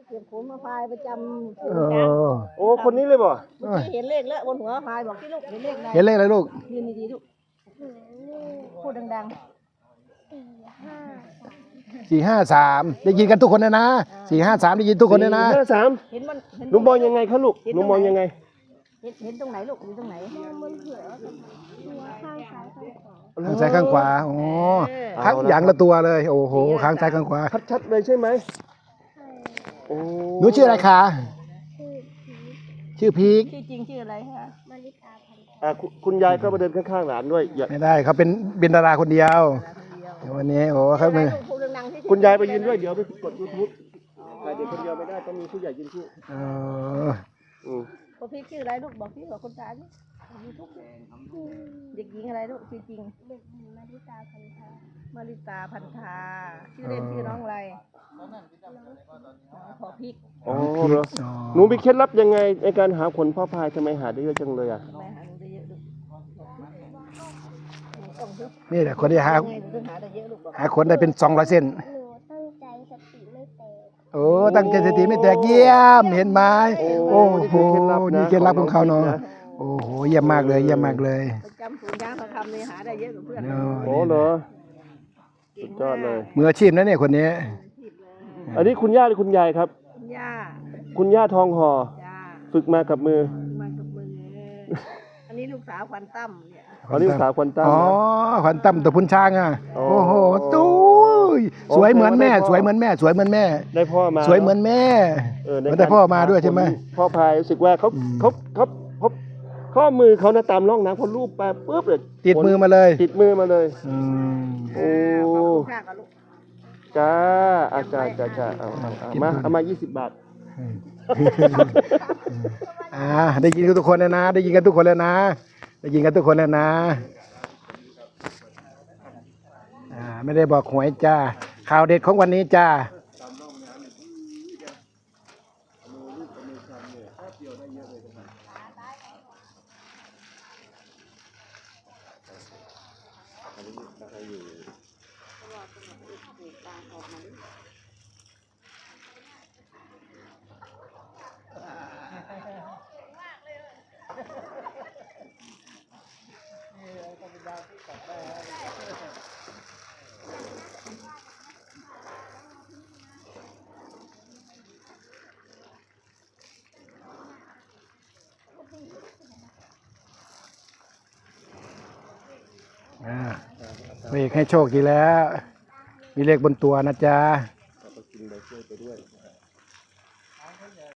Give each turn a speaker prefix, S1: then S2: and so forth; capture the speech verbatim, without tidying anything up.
S1: เก็บผมมาพายประจำ
S2: เออ
S3: โอ้คนนี้เลยบ่
S1: เมื่อกี้เห็นเลขแล้วบนหัวพายบอกที่ลูกเห็นเลขอะไร
S2: เห็นเลขอะไรลูก
S1: ยืนดีๆลูกพูดดัง
S2: สี่ห้าสามได้ยินกันทุกคนนะนะสี่ห้าสามได้ยินทุกคนนะนะ
S3: ห้าสาม
S1: ๆเห็นมันเห็น
S3: หนูมองยังไงคะลูกหนูมองยังไง
S1: เห็นเห็นตรงไหนลูกอยู่ตรงไหน
S4: บนหัวหัวข้างซ้ายข้างขวา
S2: ข้างซ้ายข้างขวาอ๋อข้างอย่างละตัวเลยโอ้โหข้างซ้ายข้างขวา
S3: ชัดๆเลยใช่ไหมโอ้
S2: หนูชื่ออะไรคะ
S4: ชื่อพีค
S2: ชื่อพีค
S1: ชื่อจริงชื่ออะไรคะ
S4: มาริตาพันธุ์
S3: อ่ะคุณคุณยายก็มาเดินข้างๆหลานด้วยอย่า
S2: ไม่ได้เขาเป็นเป็นดาราคนเดียวเดี๋ยววันนี้โอ้เขา
S1: ชื่
S2: เป็
S1: อน อะไรลูกพูดดังๆสิ
S3: คุณยายไปยืนด้วยเดี๋ยวไปกดยูทูบถ่ายเด็กคนเดียวไม่ได้ต้องมีผู้ใหญ่ยืนคู่
S2: เออ
S3: อืม
S1: พ่อพี่ชื่ออะไรลูกบอกพี่บอกคนตาดิยูทูบเด็กหญิงอะไรลูกชื่อจริง
S4: เด็กหญิงมาริตาพันธา
S1: มาริตาพันธาชื่อเล่นชื่อน้องอะไรน้องขอพริก
S3: อ๋อเหรอหนูมีเคล็ดลับยังไงในการหาผลพ่อพายทำไมหาได้เยอะจังเลยอ่ะ
S1: ทำไมหาได้เยอะลูกต้องซื้อ
S2: นี่แหละคนที่หา
S1: ไงถึงหาได้เยอะลูกบอก
S2: หาคนได้เป็นสองร้อยเส้น
S4: หนูตั้งใจสติไม่แตก
S2: โอ้ตั้งใจสติไม่แตกเยี่ยมเห็นไหมโอ้โหนี่เคล็ดลับของเขาเนาะโอ้โหเยี่ยมมากเลยเยี่ยมมากเลย
S1: ประจำศูนย์ยางทองคำเลยหาได้เยอะกว่าเพื่อน
S2: เนอะ
S3: โอ้เหรอสุดยอดเลย
S2: มืออาชีพนะเนี่ยคนนี้
S3: อันนี้คุณย่าหรือคุณยายครับ
S1: คุณย่า
S3: คุณย่าทองห่อ
S1: จ้า
S3: ฝึกมากับมือ
S1: มากับมืออันนี้ลูกสาวควันตั้มเนี่ย
S3: อันนี้สาวควันตั้ม
S2: อ๋อ
S3: นะ
S2: ขวัญตั้มตัวพุนช้างอ่ะ
S3: อ๋อ
S2: โอ้โหตู้ยสวยเหมือนแม่
S3: โอเค
S2: สวยเหมือนแม่ สวยเหมือนแม่
S3: ได้พ่อมา
S2: สวยเหมือนแม่
S3: เออใน
S2: มันได้พ่อมาด้วยใช่ไหม
S3: พ่อพายรู้สึกว่าเขา
S2: อืม
S3: เขาเขาเขาข้อมือเขานะตามร่องน้ำเขาลูบไปปุ๊บเลย
S2: ติดมือมาเลย
S3: ติดมือมาเลย
S2: อืม
S3: โอ้
S1: ขอบคุณค่ะกับลูก
S3: จ้าอาจารย์จ้าจ้าเอาเอาเอามาเอามายี่สิบบาท
S2: อ่าได้ยินกันทุกคนแล้วนะ ได้ยินกันทุกคนแล้วนะ ได้ยินกันทุกคนแล้วนะอ่าไม่ได้บอกหวยจ้า ข่าวเด็ดของวันนี้จ้า อ่าเบรกให้โชคดีแล้ว มีเลขบนตัวนะจ๊ะ